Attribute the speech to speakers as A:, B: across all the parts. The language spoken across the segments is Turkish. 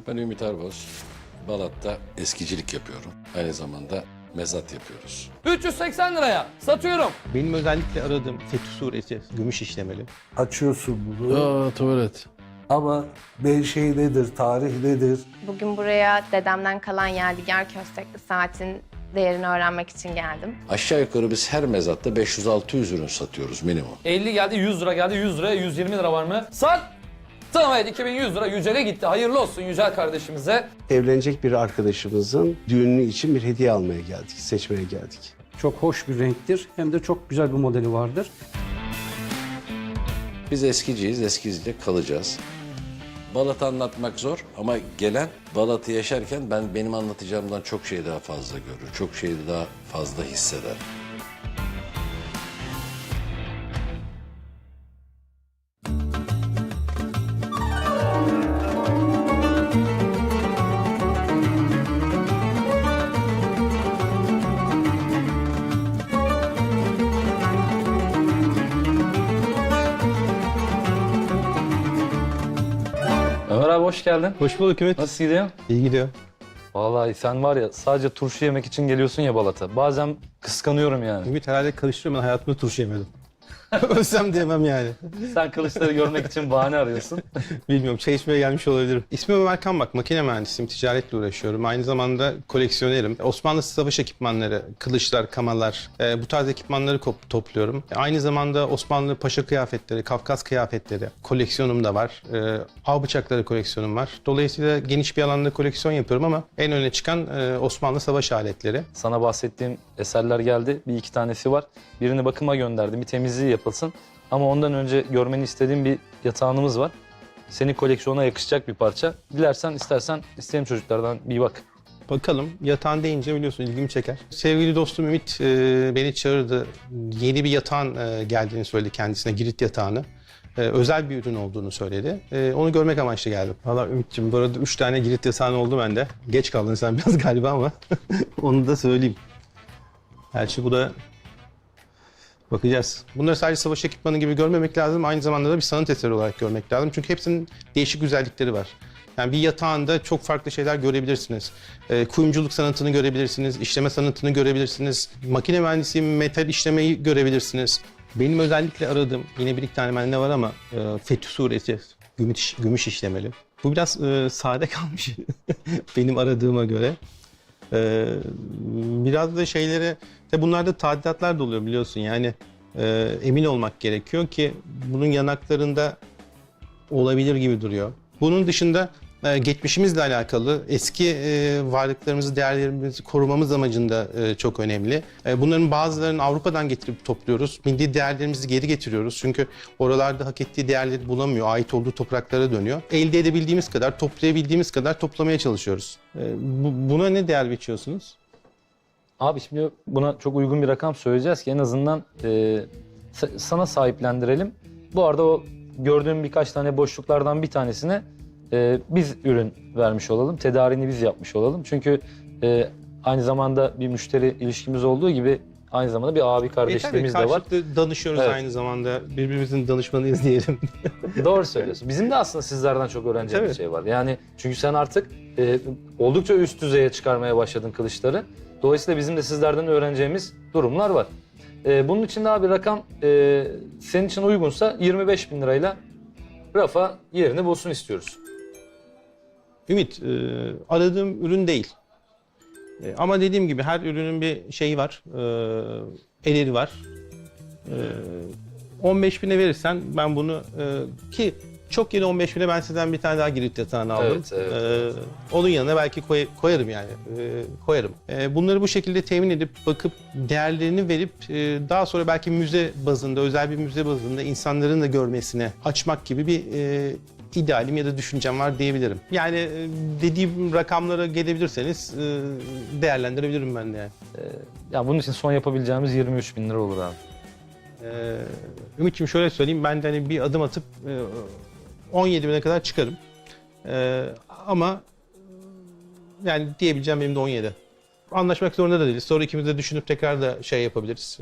A: Ben Ümit Erboz. Balat'ta eskicilik yapıyorum. Aynı zamanda mezat yapıyoruz.
B: 380 liraya satıyorum.
C: Benim özellikle aradığım Fetih Suresi, gümüş işlemeli.
D: Açıyorsun bunu
A: Aa, tuvalet.
D: ama şey nedir, tarih nedir?
E: Bugün buraya dedemden kalan yadigar köstekli saatin değerini öğrenmek için geldim.
A: Aşağı yukarı biz her mezatta 500-600 ürün satıyoruz minimum.
B: 50 geldi, 100 lira geldi, 100 liraya 120 lira var mı? Sat! Tamam, evet, 2100 lira Yücel'e gitti. Hayırlı olsun Yücel kardeşimize.
F: Evlenecek bir arkadaşımızın düğünü için bir hediye almaya geldik, seçmeye geldik.
G: Çok hoş bir renktir. Hem de çok güzel bir modeli vardır.
A: Biz eskiciyiz, eskiciyle kalacağız. Balat'ı anlatmak zor ama gelen Balat'ı yaşarken benim anlatacağımdan çok şey daha fazla görür. Çok şey daha fazla hisseder.
B: Ömer abi hoş geldin.
C: Hoş bulduk Ümit.
B: Nasıl gidiyor?
C: İyi gidiyor.
B: Vallahi sen var ya sadece turşu yemek için geliyorsun ya Balat'a. Bazen kıskanıyorum yani.
C: Ümit herhalde karıştırıyorum, ben hayatımda turşu yemedim. Ölsem diyemem yani.
B: Sen kılıçları görmek için bahane arıyorsun.
C: Bilmiyorum, çay içmeye gelmiş olabilirim. İsmim Ömer Kambak, makine mühendisiyim, ticaretle uğraşıyorum. Aynı zamanda koleksiyonerim. Osmanlı savaş ekipmanları, kılıçlar, kamalar, bu tarz ekipmanları topluyorum. Aynı zamanda Osmanlı paşa kıyafetleri, Kafkas kıyafetleri koleksiyonum da var. Av bıçakları koleksiyonum var. Dolayısıyla geniş bir alanda koleksiyon yapıyorum ama en öne çıkan Osmanlı savaş aletleri.
B: Sana bahsettiğim eserler geldi. Bir iki tanesi var. Birini bakıma gönderdim. Bir temizliği yapılsın. Ama ondan önce görmeni istediğim bir yatağımız var. Senin koleksiyona yakışacak bir parça. Dilersen istersen isteyen çocuklardan bir bak.
C: Bakalım, yatağın deyince biliyorsun ilgimi çeker. Sevgili dostum Ümit beni çağırdı. Yeni bir yatağın geldiğini söyledi kendisine, Girit yatağını. Özel bir ürün olduğunu söyledi. Onu görmek amaçlı geldim. Valla Ümit'ciğim, bu arada 3 tane Girit yatağın oldu bende. Geç kaldın sen biraz galiba ama onu da söyleyeyim. Gerçi bu da bakacağız. Bunları sadece savaş ekipmanı gibi görmemek lazım. Aynı zamanda da bir sanat eseri olarak görmek lazım. Çünkü hepsinin değişik güzellikleri var. Yani bir yatağında çok farklı şeyler görebilirsiniz. Kuyumculuk sanatını görebilirsiniz, işleme sanatını görebilirsiniz. Makine mühendisliği, metal işlemeyi görebilirsiniz. Benim özellikle aradığım, yine bir iki tane bende var ama Fetih Suresi, gümüş işlemeli. Bu biraz sade kalmış benim aradığıma göre. Biraz da şeylere, bunlarda tadilatlar da oluyor biliyorsun yani emin olmak gerekiyor ki bunun yanaklarında olabilir gibi duruyor. Bunun dışında geçmişimizle alakalı eski varlıklarımızı, değerlerimizi korumamız amacında çok önemli. Bunların bazılarını Avrupa'dan getirip topluyoruz. Milli değerlerimizi geri getiriyoruz. Çünkü oralarda hak ettiği değerleri bulamıyor. Ait olduğu topraklara dönüyor. Elde edebildiğimiz kadar, toplayabildiğimiz kadar toplamaya çalışıyoruz. Buna ne değer biçiyorsunuz?
B: Abi şimdi buna çok uygun bir rakam söyleyeceğiz ki en azından sana sahiplendirelim. Bu arada o gördüğüm birkaç tane boşluklardan bir tanesine biz ürün vermiş olalım. Tedariğini biz yapmış olalım. Çünkü aynı zamanda bir müşteri ilişkimiz olduğu gibi aynı zamanda bir abi kardeşliğimiz de var.
C: Karşılıklı danışıyoruz
B: Evet.
C: Aynı zamanda. Birbirimizin danışmanıyız diyelim.
B: Doğru söylüyorsun. Bizim de aslında sizlerden çok öğreneceğimiz
C: Evet.
B: şey var. Yani çünkü sen artık oldukça üst düzeye çıkarmaya başladın kılıçları. Dolayısıyla bizim de sizlerden öğreneceğimiz durumlar var. Bunun için daha bir rakam senin için uygunsa 25.000 lirayla rafa yerini bulsun istiyoruz.
C: Ümit, aradığım ürün değil. Ama dediğim gibi her ürünün bir şeyi var, ederi var. 15.000'e verirsen ben bunu ki çok yeni 15.000'e ben sizden bir tane daha Girit yatağını aldım.
B: Evet.
C: Onun yanına belki koyarım yani, koyarım. Bunları bu şekilde temin edip bakıp değerlerini verip daha sonra belki müze bazında, özel bir müze bazında insanların da görmesine açmak gibi bir idealim ya da düşüncem var diyebilirim. Yani dediğim rakamlara gelebilirseniz değerlendirebilirim ben de yani.
B: Ya bunun için son yapabileceğimiz 23.000 lira olur abi.
C: Ümit'ciğim şöyle söyleyeyim, ben de hani bir adım atıp 17.000'e kadar çıkarım. Ama yani diyebileceğim benim de 17. Anlaşmak zorunda da değiliz. Sonra ikimiz de düşünüp tekrar da şey yapabiliriz.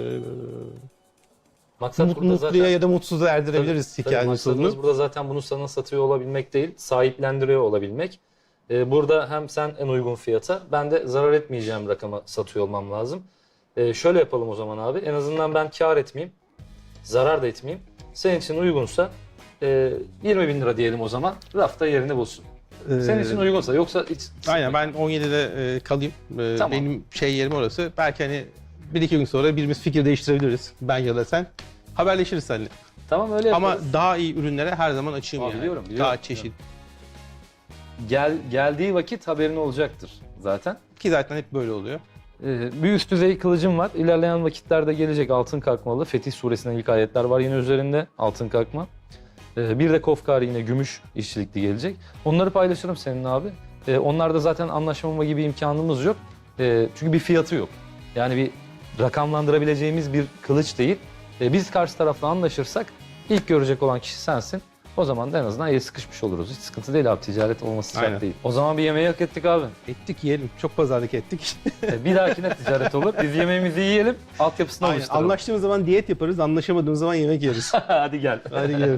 B: Maksat burada
C: Mutluya
B: zaten,
C: ya da mutsuza erdirebiliriz
B: tabii
C: hikayenin
B: maksadımız
C: sonunu.
B: burada zaten bunu sana satıyor olabilmek değil, sahiplendiriyor olabilmek. Burada hem sen en uygun fiyata, ben de zarar etmeyeceğim rakama satıyor olmam lazım. Şöyle yapalım o zaman abi. En azından ben kar etmeyeyim, zarar da etmeyeyim. Senin için uygunsa 20.000 lira diyelim o zaman. Rafta yerini bulsun. Senin için uygunsa, yoksa hiç...
C: Aynen, ben 17'de kalayım.
B: Tamam.
C: Benim yerim orası. Belki hani 1-2 gün sonra birimiz fikir değiştirebiliriz. Ben ya da sen. Haberleşiriz seninle.
B: Tamam, öyle
C: Ama
B: yaparız.
C: daha iyi ürünlere her zaman açığım
B: Aa,
C: yani.
B: biliyorum.
C: Daha çeşit.
B: Geldiği vakit haberin olacaktır zaten.
C: Ki zaten hep böyle oluyor.
B: Bir üst düzey kılıcım var. İlerleyen vakitlerde gelecek altın kalkmalı. Fetih Suresi'nden ilk ayetler var yine üzerinde. Altın kalkma. Bir de Kofkari yine gümüş işçilikli gelecek. Onları paylaşırım seninle abi. Onlarda zaten anlaşmama gibi imkanımız yok. Çünkü bir fiyatı yok. Yani bir rakamlandırabileceğimiz bir kılıç değil. Biz karşı tarafla anlaşırsak ilk görecek olan kişi sensin. O zaman da en azından el sıkışmış oluruz. Hiç sıkıntı değil abi. Ticaret olması şart
C: Aynen.
B: değil. O zaman bir yemeği hak ettik abi.
C: Ettik, yiyelim. Çok pazarlık ettik.
B: Bir dahakine ticaret olur. Biz yemeğimizi yiyelim. Altyapısını
C: Aynen.
B: oluşturalım.
C: Anlaştığımız zaman diyet yaparız, anlaşamadığımız zaman yemek yeriz.
B: Hadi gel.
C: Hadi gidelim.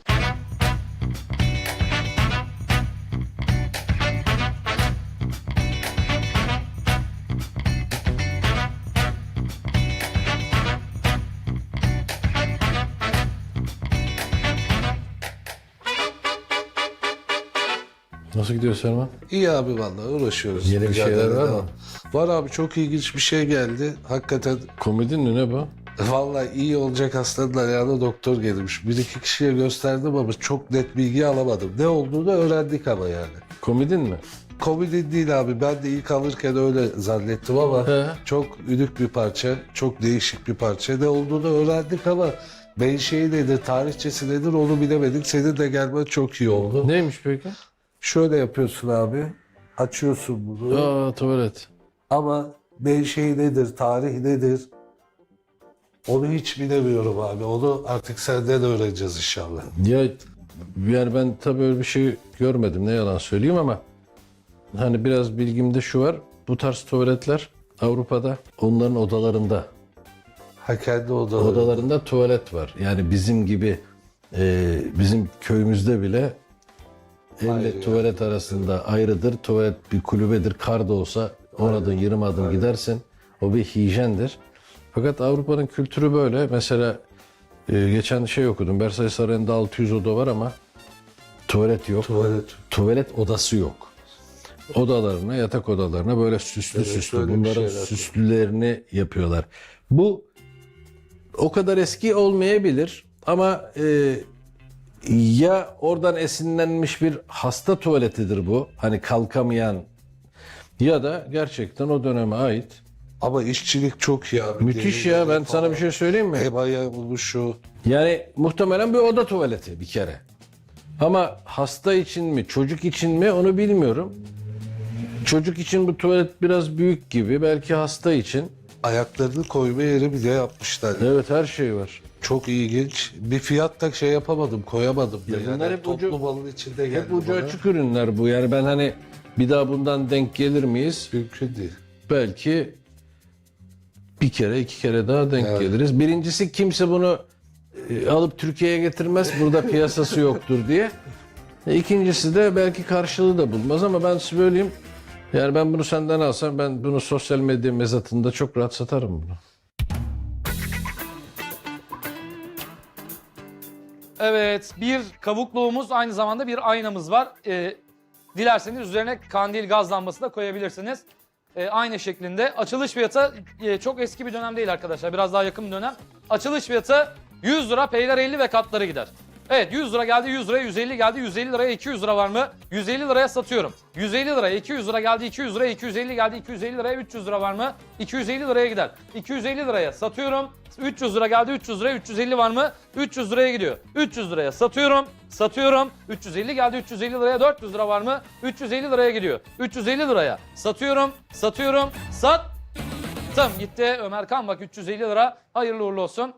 A: Nasıl gidiyor Selman?
D: İyi abi vallahi uğraşıyoruz.
A: Yeni bir şeyler
D: Mücadele
A: var mı?
D: devam. Var abi, çok ilginç bir şey geldi. Hakikaten
A: Komedin mi ne bu?
D: vallahi iyi olacak hastanın ayağına doktor gelmiş. Bir iki kişiye gösterdim ama çok net bilgi alamadım. Ne olduğunu öğrendik ama yani.
A: Komedin mi?
D: Komedi değil abi. Ben de ilk alırken öyle zannettim ama
A: He.
D: çok ünük bir parça, çok değişik bir parça. Ne olduğunu öğrendik ama menşei nedir, tarihçesi nedir onu bilemedik. Senin de gelmen çok iyi oldu.
A: Neymiş peki?
D: Şöyle yapıyorsun abi. Açıyorsun bunu.
A: Aa, tuvalet.
D: Ama menşei nedir, tarih nedir? Onu hiç bilemiyorum abi. Onu artık senden öğreneceğiz inşallah.
A: Ya yani ben tabii öyle bir şey görmedim, ne yalan söyleyeyim, ama hani biraz bilgimde şu var. Bu tarz tuvaletler Avrupa'da onların odalarında.
D: Ha, kendi odaları.
A: Odalarında tuvalet var. Yani bizim gibi bizim köyümüzde bile elle
D: Ayrı
A: tuvalet arasında ayrıdır. Tuvalet bir kulübedir. Kar da olsa 10 adım 20 adım gidersin. O bir hijyendir. Fakat Avrupa'nın kültürü böyle. Mesela geçen şey okudum. Versailles Sarayı'nda 600 oda var ama tuvalet yok. Tuvalet odası yok. Odalarına, yatak odalarına böyle süslü
D: Evet,
A: süslü.
D: öyle bir
A: Bunların
D: şeyler.
A: süslülerini yapıyorlar. Bu o kadar eski olmayabilir ama ya oradan esinlenmiş bir hasta tuvaletidir bu. Hani kalkamayan, ya da gerçekten o döneme ait.
D: Ama işçilik çok iyi abi.
A: Müthiş ya, ben sana bir şey söyleyeyim mi?
D: Ebaya oluşu.
A: Yani muhtemelen bir oda tuvaleti bir kere. Ama hasta için mi, çocuk için mi onu bilmiyorum. Çocuk için bu tuvalet biraz büyük gibi, belki hasta için.
D: Ayaklarını koyma yeri bile yapmışlar.
A: Evet, her şey var.
D: Çok ilginç. Bir fiyat da şey yapamadım, koyamadım. da.
A: Ya bunlar hep
D: toplu
A: ucu-
D: malın içinde geldi
A: Hep ucu
D: bana.
A: açık ürünler bu. Yani ben hani bir daha bundan denk gelir miyiz?
D: Mümkün değil.
A: Belki bir kere, iki kere daha denk
D: Evet.
A: geliriz. Birincisi, kimse bunu alıp Türkiye'ye getirmez. Burada piyasası yoktur diye. İkincisi de belki karşılığı da bulmaz, ama ben size söyleyeyim. Yani ben bunu senden alsam, ben bunu sosyal medya mezatında çok rahat satarım bunu.
B: Evet, bir kavukluğumuz, aynı zamanda bir aynamız var. Dilerseniz üzerine kandil gaz lambası da koyabilirsiniz. Aynı şeklinde. Açılış fiyatı çok eski bir dönem değil arkadaşlar. Biraz daha yakın bir dönem. Açılış fiyatı 100 lira, peyler 50 ve katları gider. Evet, 100 lira geldi, 100 liraya 150 geldi, 150 liraya 200 lira var mı? 150 liraya satıyorum. 150 liraya 200 lira geldi, 200 liraya 250 geldi, 250 liraya 300 lira var mı? 250 liraya gider. 250 liraya satıyorum. 300 lira geldi, 300 liraya 350 var mı? 300 liraya gidiyor. 300 liraya satıyorum. 350 geldi, 350 liraya 400 lira var mı? 350 liraya gidiyor. 350 liraya satıyorum. Sattım. Gitti Ömer Kan, bak 350 lira. Hayırlı uğurlu olsun.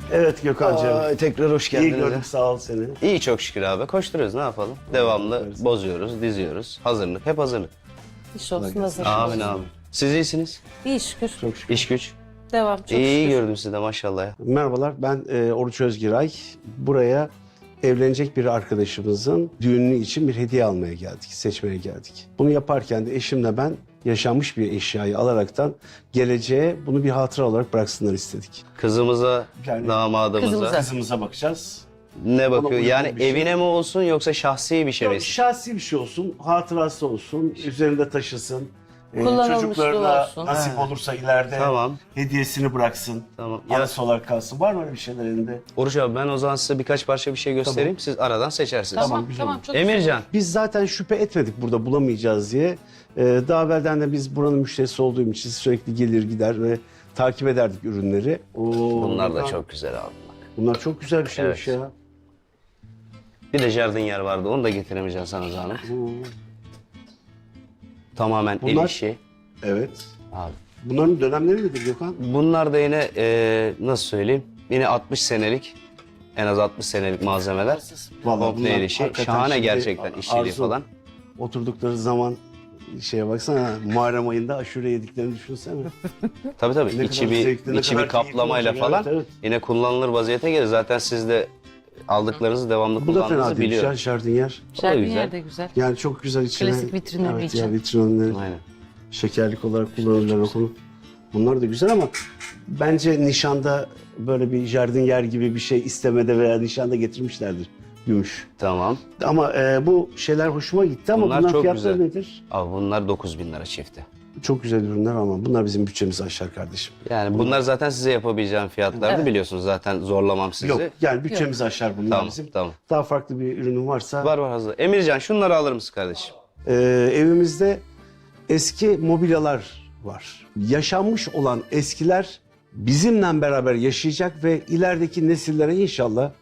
F: Evet Gökhan'cığım.
H: Ay, tekrar hoş
F: İyi
H: geldiniz.
F: gördük, sağ ol seni.
H: İyi çok şükür abi. Koşturuyoruz, ne yapalım? Devamlı bozuyoruz, diziyoruz. Hazırlık, hep hazırlık.
I: İş olsun hazır.
H: Amin amin. Siz iyisiniz?
I: İyi şükür.
H: İş güç.
I: Devam çok
H: İyi
I: şükür.
H: gördüm sizi de maşallah ya.
F: Merhabalar, ben Oruç Özgiray. Buraya evlenecek bir arkadaşımızın düğünü için bir hediye almaya geldik, seçmeye geldik. Bunu yaparken de eşimle ben yaşanmış bir eşyayı alaraktan geleceğe bunu bir hatıra olarak bıraksınlar istedik.
H: Kızımıza,
F: Yani
H: damadımıza
F: Kızımıza bakacağız.
H: ne bakıyor?
F: uygun
H: Yani
F: bir şey.
H: evine mi olsun yoksa şahsi bir şey mi?
F: Yok, şahsi bir şey olsun, hatırası olsun, üzerinde taşısın.
I: Kullanılmışlığı
F: Çocuklarına
I: olsun.
F: nasip olursa ileride
H: Tamam.
F: hediyesini bıraksın.
H: Tamam. Ya,
F: Anısı olarak kalsın. Var mı öyle bir şeyler elinde?
H: Oruç abi ben o zaman size birkaç parça bir şey göstereyim. Siz aradan seçersiniz.
I: Tamam
F: güzel
I: tamam
F: olur.
I: çok güzel.
H: Emircan.
F: Biz zaten şüphe etmedik burada bulamayacağız diye. Daha evvelden de biz buranın müşterisi olduğum için sürekli gelir gider ve takip ederdik ürünleri.
H: Bunlar da çok güzel abi. Bak.
F: Bunlar çok güzel bir şeymiş
H: Evet.
F: ya.
H: Bir de jardinier vardı. Onu da getiremeyeceğim sana zahmet. Tamamen el
F: Bunlar-
H: işi.
F: Evet.
H: Abi.
F: Bunların dönemleri nedir Gökhan?
H: Bunlar da yine nasıl söyleyeyim? Yine 60 senelik, en az 60 senelik malzemeler.
F: Vallahi
H: Komple
F: bunlar
H: el işi.
F: hakikaten
H: Şahane
F: şimdi
H: gerçekten işçiliği
F: Arzu,
H: falan.
F: Oturdukları zaman şeye baksana, Muharrem ayında aşure yediklerini düşünsene.
H: Tabii tabii.
F: Ne
H: içi
F: kadar zevkli, ne
H: içi
F: kadar
H: bir kaplamayla
F: keyifli olacak.
H: falan
F: Evet,
H: yine kullanılır vaziyete gelir. Zaten siz de aldıklarınızı devamlı
F: Bu da fena
H: kullandığınızı
F: değil ya,
H: biliyorum.
F: jardiniyer.
I: Şerbin
H: güzel.
I: yer de güzel.
F: Yani çok güzel içine.
I: Klasik vitrinleri
F: evet,
I: için.
F: ya vitrinleri.
H: Aynen.
F: Şekerlik olarak kullanırlar onu. Bunlar da güzel ama bence nişanda böyle bir jardiniyer gibi bir şey istemede veya nişanda getirmişlerdir gümüş.
H: Tamam.
F: Ama bu şeyler hoşuma gitti ama
H: Bunlar
F: bunların
H: çok
F: fiyatları
H: güzel.
F: nedir?
H: Abi bunlar 9.000 lira çifti.
F: Çok güzel ürünler ama bunlar bizim bütçemizi aşar kardeşim.
H: Yani bunlar zaten size yapabileceğim fiyatlardı
I: Evet.
H: biliyorsunuz. Zaten zorlamam sizi.
F: Yok yani bütçemizi aşar bunlar
H: Tamam,
F: bizim.
H: tamam.
F: Daha farklı bir ürünün varsa.
H: Var var hazır. Emircan şunları alır mısın kardeşim?
F: Evimizde eski mobilyalar var. Yaşanmış olan eskiler bizimle beraber yaşayacak ve ilerideki nesillere inşallah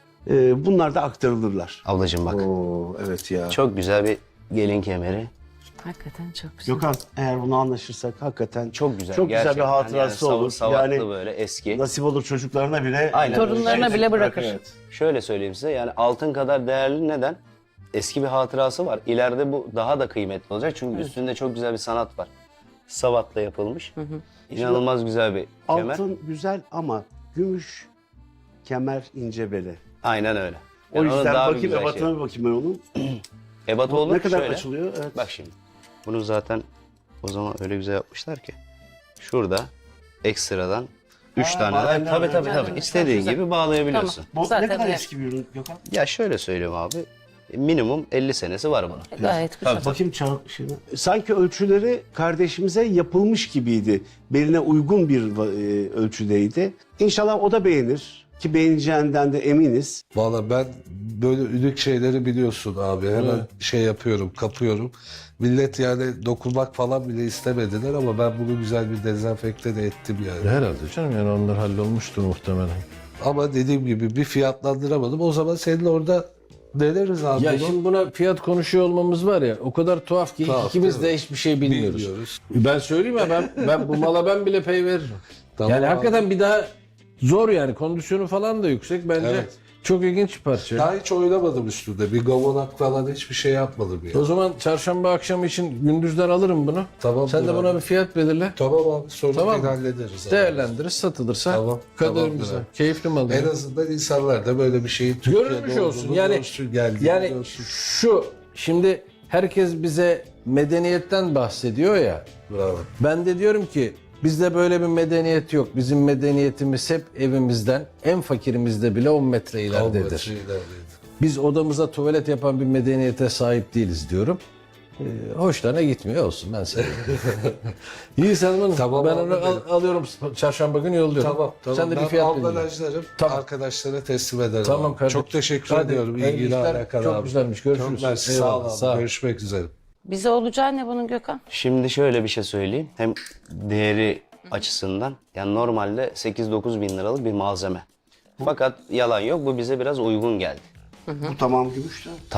F: bunlar da aktarılırlar.
H: Ablacığım bak.
F: Oo evet ya.
H: Çok güzel bir gelin kemeri.
I: Hakikaten çok güzel.
F: Gökhan eğer bunu anlaşırsak hakikaten
H: Çok güzel.
F: çok güzel bir
H: gerçekten.
F: hatırası
H: yani
F: olur.
H: Savaklı
F: Yani
H: böyle eski.
F: nasip olur çocuklarına bile.
H: Aynen.
I: Torunlarına bile bırakır.
F: Evet.
H: Şöyle söyleyeyim size yani altın kadar değerli neden? Eski bir hatırası var. İleride bu daha da kıymetli olacak. Çünkü üstünde çok güzel bir sanat var. Savatla yapılmış. İnanılmaz güzel bir kemer.
F: Altın güzel ama gümüş kemer ince bele.
H: Aynen öyle.
F: O
H: Yani onun
F: yüzden
H: daha bir
F: bakayım
H: güzel
F: ebatına bir bakayım ben onun.
H: Ebat olur
F: Ne kadar
H: şöyle.
F: açılıyor? Evet.
H: Bak şimdi. Bunu zaten o zaman öyle güzel yapmışlar ki. Şurada ekstradan 3 tane daha.
F: bağlayanlar
H: Tabii
F: var.
H: tabii
I: Evet,
H: tabii. İstediğin
I: güzel.
H: gibi bağlayabiliyorsun.
F: Bu
I: Zaten
F: ne kadar
I: evet.
F: eski bir ürün Gökhan?
H: Ya şöyle söyleyeyim abi. Minimum 50 senesi var bunun.
I: Gayet güzel.
F: Bakayım şeyine. Sanki ölçüleri kardeşimize yapılmış gibiydi. Beline uygun bir ölçüdeydi. İnşallah o da beğenir. Ki beğeneceğinden de eminiz.
D: Valla ben böyle ünlük şeyleri biliyorsun abi. Hemen şey yapıyorum, kapıyorum. Millet yani dokunmak falan bile istemediler ama ben bunu güzel bir dezenfekte de ettim yani.
A: Herhalde canım yani onlar hallolmuştur muhtemelen.
D: Ama dediğim gibi bir fiyatlandıramadım. O zaman seninle orada deneriz abi
A: Ya
D: bunu.
A: şimdi buna fiyat konuşuyor olmamız var ya o kadar tuhaf ki
D: Tuhaf,
A: ikimiz
D: değil
A: de hiçbir şey bilmiyoruz.
D: Bilmiyoruz.
A: Ben söyleyeyim ya ben bu mala ben bile pay veririm.
D: Tamam
A: yani
D: abi.
A: hakikaten bir daha zor yani kondisyonu falan da yüksek bence
D: Evet.
A: çok ilginç bir parça.
D: Daha hiç oynamadım üstünde. Bir gavonak falan hiçbir şey yapmadım ya.
A: O zaman çarşamba akşamı için gündüzden alırım bunu.
D: Tamam.
A: Sen de buna bir fiyat belirle.
D: Tamam abi sonra
A: Tamam.
D: hallederiz. abi.
A: Değerlendiririz satılırsa
D: Tamam,
A: kaderimize.
D: tamamdır abi.
A: Keyifli mal.
D: En azından insanlar da böyle bir şeyin Türkiye'de
A: Görülmüş olsun.
D: olduğunu
A: Yani
D: görsün, geldiğini
A: yani
D: görsün.
A: şu şimdi herkes bize medeniyetten bahsediyor ya.
D: Bravo.
A: Ben de diyorum ki bizde böyle bir medeniyet yok. Bizim medeniyetimiz hep evimizden en fakirimizde bile 10 metre ileridedir. Biz odamıza tuvalet yapan bir medeniyete sahip değiliz diyorum. Hoşlarına gitmiyor olsun ben seviyorum. İyi Selman
D: Tamam
A: ben
D: abi,
A: onu alıyorum çarşamba günü yolluyorum.
D: Tamam.
A: Sen de bir
D: Ben
A: fiyat belirle.
D: ambalajlarım
A: Tamam.
D: arkadaşlara teslim ederim.
A: Tamam
D: abi.
A: kardeşim.
D: Çok teşekkür
A: Hadi,
D: ediyorum.
A: hayırlı
D: İlgili
A: işler.
D: alakalı
A: Çok
D: abi.
A: güzelmiş. Görüşürüz.
D: Çok mersi. Sağ
A: Eyvallah,
D: ol abi.
A: sağ ol.
D: Görüşmek üzere.
I: Bize olacağı ne bunun Gökhan?
H: Şimdi şöyle bir şey söyleyeyim. Hem değeri açısından yani normalde 8-9 bin liralık bir malzeme. Fakat yalan yok bu bize biraz uygun geldi.
F: Bu tamam gümüş de.
H: Tabii.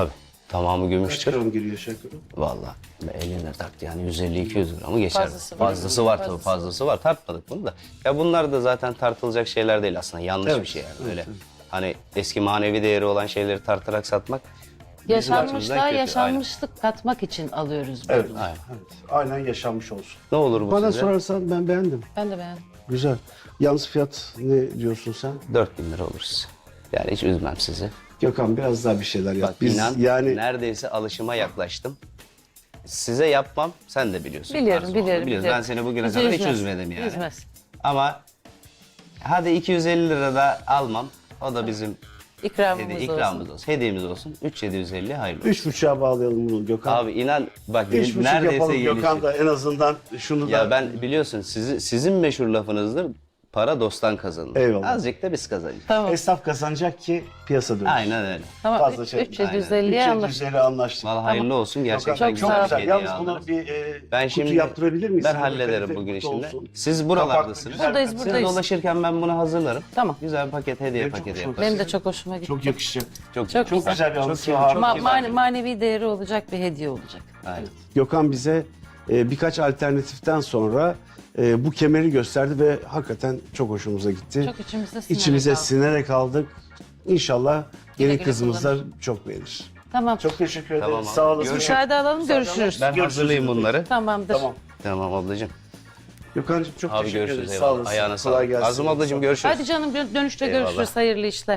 H: Tamamı
F: Kaç
H: gümüştür.
F: gram giriyor şakırı?
H: Vallahi eline taktı yani 150-200 gramı geçer.
I: Fazlası var.
H: Fazlası var tabii, fazlası var. Tartmadık bunu da. Ya bunlar da zaten tartılacak şeyler değil aslında. Yanlış bir şey yani. Öyle hani eski manevi değeri olan şeyleri tartarak satmak bizim açımızdan
I: Yaşanmışlığa
H: kötü.
I: yaşanmışlık katmak için alıyoruz bunu.
F: Evet.
H: Aynen.
F: Evet. Aynen yaşanmış olsun.
H: Ne olur bu
F: Bana
H: size?
F: sorarsan ben beğendim.
I: Ben de beğendim.
F: Güzel. Yalnız fiyat ne diyorsun sen?
H: 4000 lira olur size. Yani hiç üzmem sizi.
F: Gökhan biraz daha bir şeyler yap.
H: Bak
F: Biz
H: inan
F: yani
H: neredeyse alışıma yaklaştım. Size yapmam, sen de biliyorsun.
I: Biliyorum,
H: Tarzı olduğunu
I: biliyorum,
H: biliyorsun.
I: biliyorum.
H: Ben seni bugüne
I: Bizi
H: kadar hiç
I: üzmez.
H: üzmedim yani.
I: Üzmez.
H: Ama hadi 250 lira da almam. O da bizim
I: İkramımız olsun.
H: ikramımız olsun. Hediyemiz olsun. 3750 hayırlı olsun.
F: 3,5'a bağlayalım bunu Gökhan.
H: Abi inan bak
F: 3,5
H: neredeyse
F: yapalım
H: gelişir.
F: Gökhan da en azından şunu da.
H: Ya ben biliyorsun sizin meşhur lafınızdır. Para dosttan kazanılır.
F: Eyvallah.
H: Azıcık da biz kazanacağız.
I: Tamam.
F: Esnaf kazanacak ki piyasa dönsün.
H: Aynen öyle.
I: Tamam.
F: Fazla şey.
I: 350'ye anlaştık.
F: 350 anlaştık.
H: Vallahi hayırlı olsun. Gerçekten
I: Çok
H: güzel
I: sağ ol.
H: bir
F: Güzel.
H: hediye
F: Yalnız
H: aldım.
F: bunu bir
H: Ben
F: kutu
H: şimdi
F: yaptırabilir miyiz?
H: ben
F: Böyle
H: hallederim
F: kalife
H: bugün
F: kutu
H: işini.
F: olsun.
H: Siz buralardasınız.
I: Buradayız,
H: Siz
I: buradayız.
H: dolaşırken ben bunu hazırlarım.
I: Tamam.
H: Güzel bir paket hediye
F: Benim çok
H: paketi
F: hoşuma
H: yaparım.
I: Benim de çok hoşuma gitti.
F: Çok yakışacak.
H: Çok
I: Çok
F: Çok
I: güzel.
F: güzel bir anısı
I: Manevi değeri olacak bir hediye olacak.
H: Aynen.
F: Gökhan bize birkaç alternatiften sonra bu kemeri gösterdi ve hakikaten çok hoşumuza gitti.
I: Çok içimizde sinerek
F: İçimize
I: aldık.
F: sinerek aldık. İnşallah gelin
I: güle
F: kızımız da çok beğenir.
I: Tamam.
F: Çok teşekkür ederim.
H: Tamam abi.
F: Sağ olasın.
I: Müsaade alalım, görüşürüz.
H: Ben hazırlayayım bunları.
I: Tamamdır.
F: Tamam.
H: Tamam ablacığım.
F: Gökhan'cığım çok
H: Abi
F: teşekkür
H: görüşürüz.
F: ederiz. Sağ
H: Eyvallah.
F: olasın.
H: Ayağına
F: Kolay
H: sağlık.
F: gelsin.
H: Azım ablacığım görüşürüz.
I: Hadi canım dönüşte
H: Eyvallah.
I: görüşürüz. Hayırlı işler.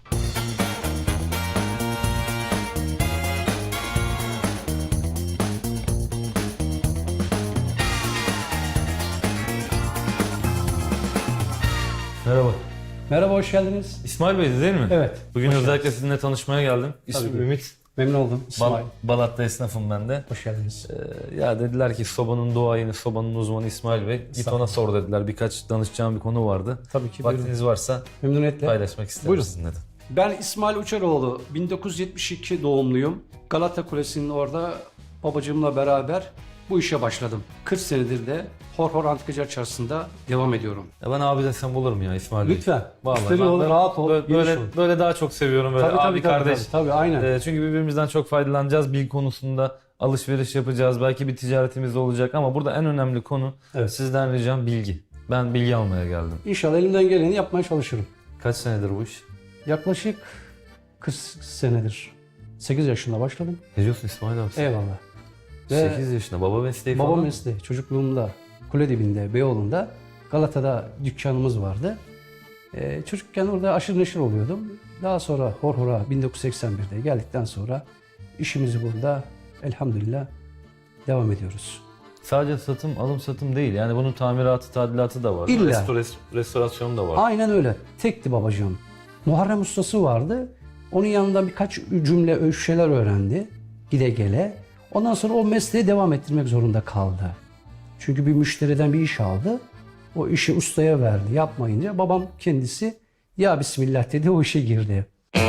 B: Merhaba.
G: Merhaba, hoş geldiniz.
B: İsmail Bey değil mi?
G: Evet.
B: Bugün özellikle sizinle tanışmaya geldim. İsmim
G: ki.
B: Ümit.
G: Memnun oldum. İsmail.
B: Balat'ta esnafım ben de.
G: Hoş geldiniz.
B: Ya dediler ki sobanın duayeni, sobanın uzmanı İsmail Bey. Git ona sor dediler. Birkaç danışacağım bir konu vardı.
G: Tabii ki, buyurun.
B: Vaktiniz varsa
G: Memnuniyetle.
B: paylaşmak isterim
G: Buyurun.
B: sizinle de.
G: Ben İsmail Uçaroğlu. 1972 doğumluyum. Galata Kulesi'nin orada babacığımla beraber bu işe başladım. 40 senedir de Horhor Antikacı Çarşısı'nda devam ediyorum.
B: Ya ben abi desem olur mu ya İsmail Bey?
G: Lütfen.
B: Vallahi
G: Müşteri
B: ben-
G: ol,
B: ben
G: rahat ol, geniş
B: Böyle,
G: ol.
B: böyle daha çok seviyorum böyle
G: Tabii,
B: abi kardeş.
G: Tabii, aynen.
B: Çünkü birbirimizden çok faydalanacağız. Bilgi konusunda alışveriş yapacağız. Belki bir ticaretimiz de olacak ama burada en önemli konu
G: Evet.
B: sizden ricam bilgi. Ben bilgi almaya geldim.
G: İnşallah elimden geleni yapmaya çalışırım.
B: Kaç senedir bu iş?
G: Yaklaşık 40 senedir. 8 yaşında başladım.
B: Ne diyorsun İsmail abi? sen?
G: Eyvallah. Ve
B: 8 yaşında baba mesleği
G: baba
B: falan.
G: mesleği çocukluğumda kule dibinde Beyoğlu'nda Galata'da dükkanımız vardı. Çocukken orada aşırı neşir oluyordum. Daha sonra Horhor'a 1981'de geldikten sonra işimizi burada elhamdülillah devam ediyoruz.
B: Sadece satım, alım satım değil. Yani bunun tamiratı, tadilatı da var.
G: İlla.
B: Restorasyonu da var.
G: Aynen öyle. Tekti babacığım. Muharrem ustası vardı. Onun yanında birkaç cümle şeyler öğrendi. Gide gele. Ondan sonra o mesleği devam ettirmek zorunda kaldı. Çünkü bir müşteriden bir iş aldı. O işi ustaya verdi. Yapmayınca babam kendisi ya Bismillah dedi, o işe girdi.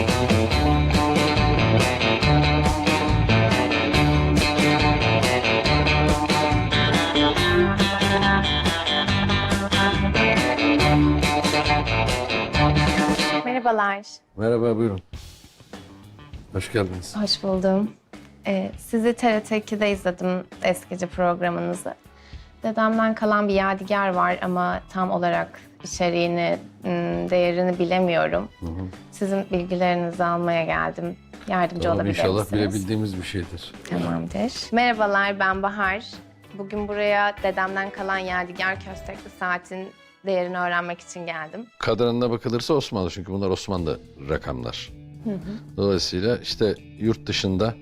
E: Merhabalar.
A: Merhaba, buyurun. Hoş geldiniz.
E: Hoş buldum. Sizi TRT 2'de izledim, eskici programınızı. Dedemden kalan bir yadigar var ama tam olarak içeriğini, değerini bilemiyorum. Sizin bilgilerinizi almaya geldim. Yardımcı
A: Tamam,
E: olabilir
A: inşallah
E: misiniz?
A: bilebildiğimiz bir şeydir.
E: Tamamdır. Merhabalar, ben Bahar. Bugün buraya dedemden kalan yadigar köstekli saatin değerini öğrenmek için geldim.
A: Kadranına bakılırsa Osmanlı, çünkü bunlar Osmanlı rakamlar. Dolayısıyla işte yurt dışında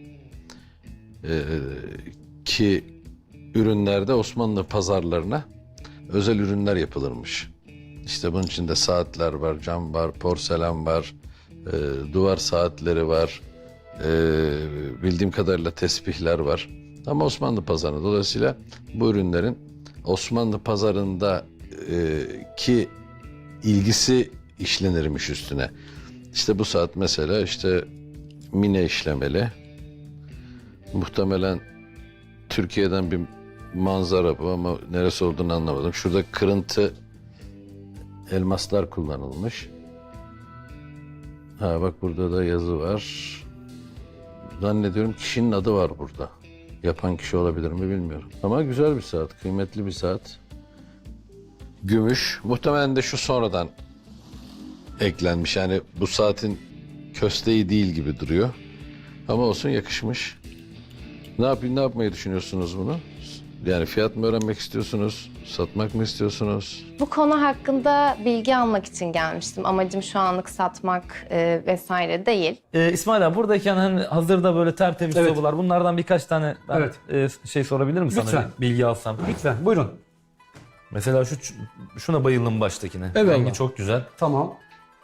A: ki ürünlerde Osmanlı pazarlarına özel ürünler yapılırmış. İşte bunun içinde saatler var, cam var, porselen var, duvar saatleri var, bildiğim kadarıyla tesbihler var. Ama Osmanlı pazarında. Dolayısıyla bu ürünlerin Osmanlı pazarında ki ilgisi işlenirmiş üstüne. İşte bu saat mesela işte mine işlemeli. Muhtemelen Türkiye'den bir manzara bu ama neresi olduğunu anlamadım. Şurada kırıntı elmaslar kullanılmış. Ha bak, burada da yazı var. zannediyorum kişinin adı var burada. Yapan kişi olabilir mi bilmiyorum. Ama güzel bir saat, kıymetli bir saat. Gümüş. Muhtemelen de şu sonradan eklenmiş. Yani bu saatin kösteği değil gibi duruyor. Ama olsun, yakışmış. Ne yapmayı düşünüyorsunuz bunu? Yani fiyat mı öğrenmek istiyorsunuz? Satmak mı istiyorsunuz?
E: Bu konu hakkında bilgi almak için gelmiştim. Amacım şu anlık satmak vesaire değil.
B: İsmail abi buradayken hani hazırda böyle tertemiz
G: Evet.
B: sobalar, bunlardan birkaç tane ben şey sorabilir miyim sana?
G: Lütfen.
B: Bir bilgi alsam.
G: Lütfen buyurun.
B: Mesela şuna bayıldım baştakine.
G: Evet.
B: Rengi çok güzel.
G: Tamam.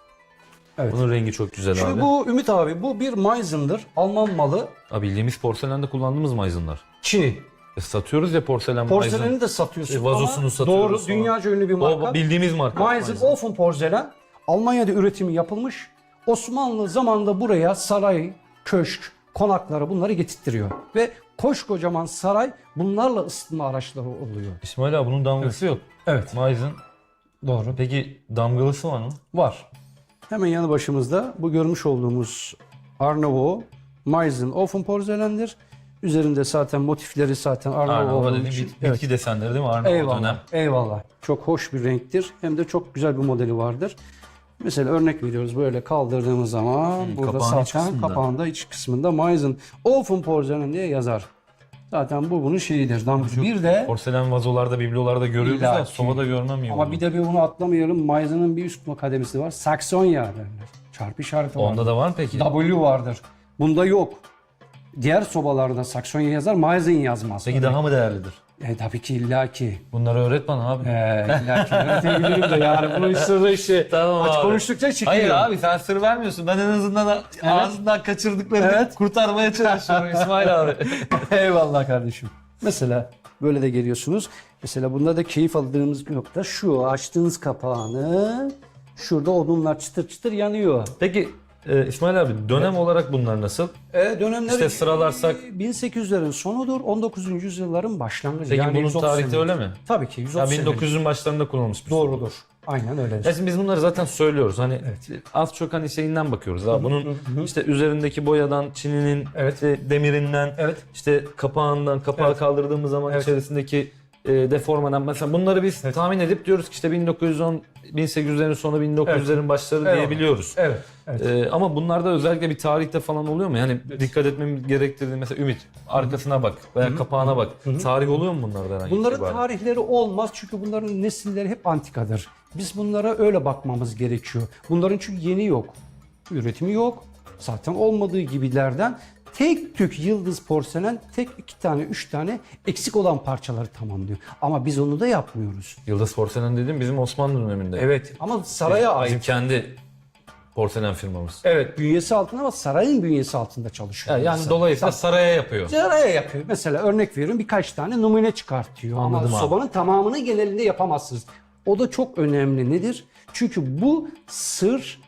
G: Evet.
B: Bunun rengi çok güzel
G: Şimdi
B: abi.
G: bu Ümit abi bu bir Meisen'dır. Alman malı.
B: Abi bildiğimiz porselende kullandığımız Meisen'lar.
G: Çini.
B: Satıyoruz ya porselen
G: Porseleni
B: Meissen.
G: de satıyorsun
B: Vazosunu
G: ama
B: satıyoruz
G: doğru
B: falan.
G: dünyaca ünlü bir marka.
B: O bildiğimiz marka.
G: Meissen Ofen porselen Almanya'da üretimi yapılmış. Osmanlı zamanında buraya saray, köşk, konakları bunları getirtiyor. Ve koskocaman saray bunlarla ısıtma araçları oluyor.
B: İsmail abi bunun damgası yok.
G: Evet.
B: Meissen.
G: Doğru.
B: Peki damgalısı var mı?
G: Var. Hemen yanı başımızda bu görmüş olduğumuz Arnavut Meissen Ofen porselendir. Üzerinde zaten motifleri zaten Arnavut
B: Arnavut
G: olduğu
B: dediğim
G: için.
B: bitki desenleri değil mi? Arnavut
G: Eyvallah,
B: dönem.
G: eyvallah. Çok hoş bir renktir. Hem de çok güzel bir modeli vardır. Mesela örnek veriyoruz böyle kaldırdığımız zaman burada
B: kapağın iç
G: zaten
B: kısmında.
G: kapağında iç kısmında Meissen Ofen porselen diye yazar. Zaten bu bunun şeyidir. Bir de
B: Porselen vazolarda, biblolarda görüyoruz da
G: İllaki.
B: sobada görmem iyi
G: ama
B: oldu.
G: bir de bunu atlamayalım. Meissen'ın bir üst kademesi var. Saksonya derler. Çarpı işareti var.
B: Onda da var mı peki?
G: W vardır. Bunda yok. Diğer sobalarda Saksonya yazar, Meissen yazmaz.
B: Peki daha mı değerlidir?
G: Tabii ki illaki.
B: Bunları öğret bana abi.
G: İllaki öğretebilirim de yani bunun sırrı işte.
B: Tamam
G: Aç
B: abi.
G: konuştukça çıkıyor.
B: Hayır abi sen sır vermiyorsun. Ben en azından ağzından kaçırdıklarını
G: Evet.
B: kurtarmaya çalışıyorum İsmail abi.
G: Eyvallah kardeşim. Mesela böyle de geliyorsunuz. Mesela bunda da keyif aldığımız bir nokta şu. Açtığınız kapağını şurada odunlar çıtır çıtır yanıyor.
B: Peki İsmail abi dönem olarak bunlar nasıl?
G: Dönemleri
B: İşte sıralarsak-
G: 1800'lerin sonudur, 19. yüzyılların başlangıcı.
B: Peki bunun
G: 130
B: tarihte
G: senedir.
B: öyle mi?
G: Tabii ki 130
B: Ya
G: senedir.
B: 1900'ün başlarında kullanılmış bir
G: Doğrudur. Aynen öyle.
B: Ya şimdi biz bunları zaten söylüyoruz. Hani az çok hani şeyinden bakıyoruz. Abi. Bunun işte üzerindeki boyadan, çininin,
G: Evet.
B: işte demirinden,
G: Evet.
B: işte kapağından, kapağı
G: Evet.
B: kaldırdığımız zaman
G: Evet.
B: içerisindeki deformadan mesela bunları biz tahmin edip diyoruz ki işte 1910 1800'lerin sonu 1900'lerin başları
G: Evet.
B: diyebiliyoruz.
G: Evet. Evet.
B: Ama bunlarda özellikle bir tarihte falan oluyor mu? Yani dikkat etmemiz gerektirdiği mesela Ümit arkasına bak veya kapağına bak. Tarih oluyor mu bunlarda herhangi bir
G: Bunların
B: itibaren?
G: tarihleri olmaz çünkü bunların nesilleri hep antikadır. Biz bunlara öyle bakmamız gerekiyor. Bunların çünkü yeni yok. Üretimi yok. Zaten olmadığı gibilerden tek tük yıldız porselen tek 2 tane 3 tane eksik olan parçaları tamamlıyor. Ama biz onu da yapmıyoruz.
B: Yıldız Porselen dediğim bizim Osmanlı döneminde.
G: Evet ama saraya ait.
B: Bizim kendi porselen firmamız.
G: Evet bünyesi altında ama sarayın bünyesi altında çalışıyor.
B: Yani dolayısıyla saraya yapıyor.
G: Saraya yapıyor. Mesela örnek veriyorum birkaç tane numune çıkartıyor.
B: Anladım
G: ama
B: abi.
G: sobanın tamamını genelinde yapamazsınız. O da çok önemli. Nedir? Çünkü bu sır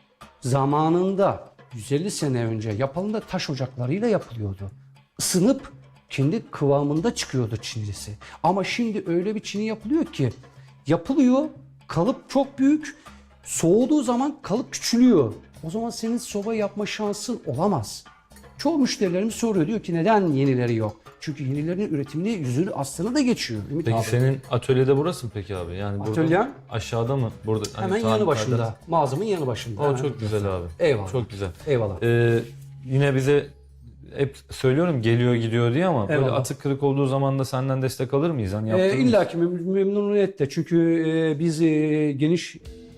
G: zamanında 150 sene önce yapıldığında taş ocaklarıyla yapılıyordu. Isınıp kendi kıvamında çıkıyordu çinisi. Ama şimdi öyle bir çini yapılıyor ki yapılıyor, kalıp çok büyük, soğuduğu zaman kalıp küçülüyor. O zaman senin soba yapma şansın olamaz. Çoğu müşterilerimiz soruyor diyor ki neden yenileri yok? Çünkü yenilerin üretiminde yüzünü aslını da geçiyor. Ümit
B: Peki
G: abi.
B: senin atölyede burası mı peki abi? Yani burada
G: Atölyem?
B: aşağıda mı? Burada hani
G: Hemen
B: tarih-
G: yanı başında. Mağazamın yanı başında.
B: O çok güzel abi.
G: Eyvallah.
B: Çok güzel.
G: Eyvallah.
B: Yine bize hep söylüyorum geliyor gidiyor diye ama böyle
G: Eyvallah.
B: atık kırık olduğu zaman da senden destek alır mıyız? Hani yaptığımız-
G: İlla ki memnuniyetle. Çünkü biz geniş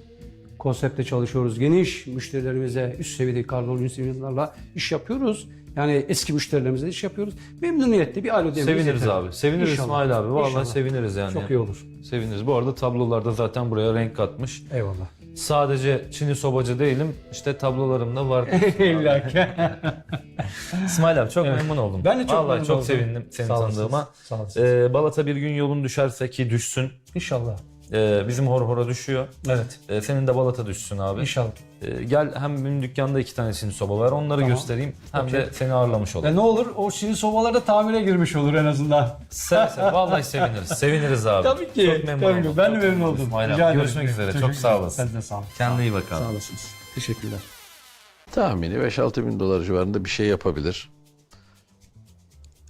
G: konsepte çalışıyoruz. Geniş müşterilerimize üst seviyedeki karbon insanlarla iş yapıyoruz. Yani eski müşterilerimize de iş yapıyoruz. Memnuniyetle bir alo dememiz
B: Seviniriz
G: yeter.
B: abi. Seviniriz
G: İnşallah.
B: İsmail abi. Vallahi
G: İnşallah.
B: seviniriz yani.
G: Çok iyi olur.
B: Seviniriz. Bu arada tablolarda zaten buraya renk katmış.
G: Eyvallah.
B: Sadece Çin'i sobacı değilim. İşte tablolarımda var.
G: İlla ki.
B: İsmail abi çok memnun oldum.
G: Ben de çok
B: Vallahi
G: memnun
B: çok
G: oldum.
B: sevindim seni
G: Sağ olasınız.
B: tanıdığıma.
G: Sağ olasınız.
B: Balata bir gün yolun düşerse ki düşsün.
G: İnşallah.
B: Bizim hora düşüyor.
G: Evet.
B: Senin de balata düşsün abi.
G: İnşallah.
B: Gel hem benim dükkanda 2 tane Çin soba var. Onları
G: Tamam.
B: göstereyim. Hem de seni ağırlamış olalım.
G: Ne olur o Çin sobaları da tamire girmiş olur en azından.
B: Seve seve. Vallahi seviniriz. Seviniriz abi.
G: Tabii ki.
B: Çok memnun
G: Tabii
B: oldum.
G: ki. Ben de
B: Çok
G: memnun
B: memnun
G: oldum.
B: İsmail abi.
G: Rica ederim.
B: Görüşmek üzere. Çok sağ olasın.
G: Sen de sağ olun.
B: Kendine iyi bak abi.
G: Sağ olasınız. Teşekkürler.
A: Tahmini 5-6 bin dolar civarında bir şey yapabilir.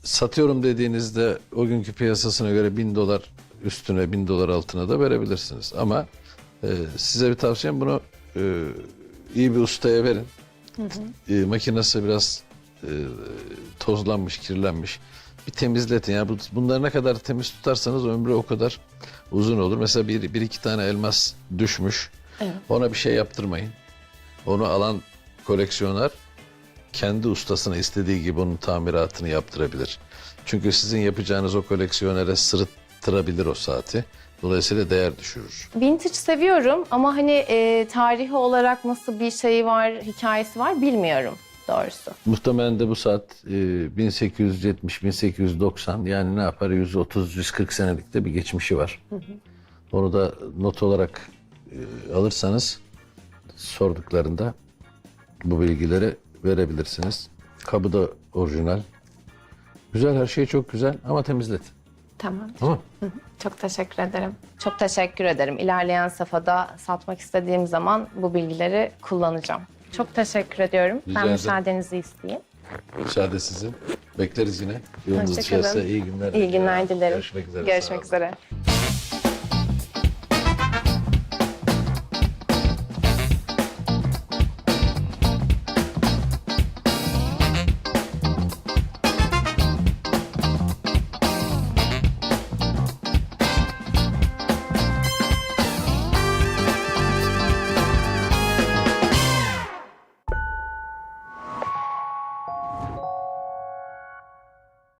A: satıyorum dediğinizde o günkü piyasasına göre $1000 üstüne, $1000 altına da verebilirsiniz. Ama size bir tavsiyem, bunu iyi bir ustaya verin. Makinesi biraz tozlanmış, kirlenmiş. Bir temizletin. Yani bunları ne kadar temiz tutarsanız ömrü o kadar uzun olur. Mesela bir iki tane elmas düşmüş.
E: Evet.
A: Ona bir şey yaptırmayın. Onu alan koleksiyoner kendi ustasına istediği gibi onun tamiratını yaptırabilir. Çünkü sizin yapacağınız o koleksiyonere sırıttırabilir o saati. Dolayısıyla değer düşürür.
E: Vintage seviyorum ama hani tarihi olarak nasıl bir şeyi var, hikayesi var bilmiyorum doğrusu.
A: Muhtemelen de bu saat 1870-1890, yani ne yapar, 130-140 senelik de bir geçmişi var. Onu da not olarak alırsanız sorduklarında bu bilgileri verebilirsiniz. Kabı da orijinal. Güzel, her şey çok güzel ama temizlet.
E: Tamam.
A: Tamam.
E: Çok teşekkür ederim. Çok teşekkür ederim. İlerleyen safhada satmak istediğim zaman bu bilgileri kullanacağım. Çok teşekkür ediyorum.
A: Rica
E: Ben
A: ederim.
E: müsaadenizi isteyeyim.
A: Müsaade sizin. Bekleriz yine. Yolunuz
E: Hoşça kalın.
A: düşerse iyi günler.
E: İyi günler dilerim.
A: Görüşmek üzere. Sağ
E: Görüşmek
A: olun.
E: üzere.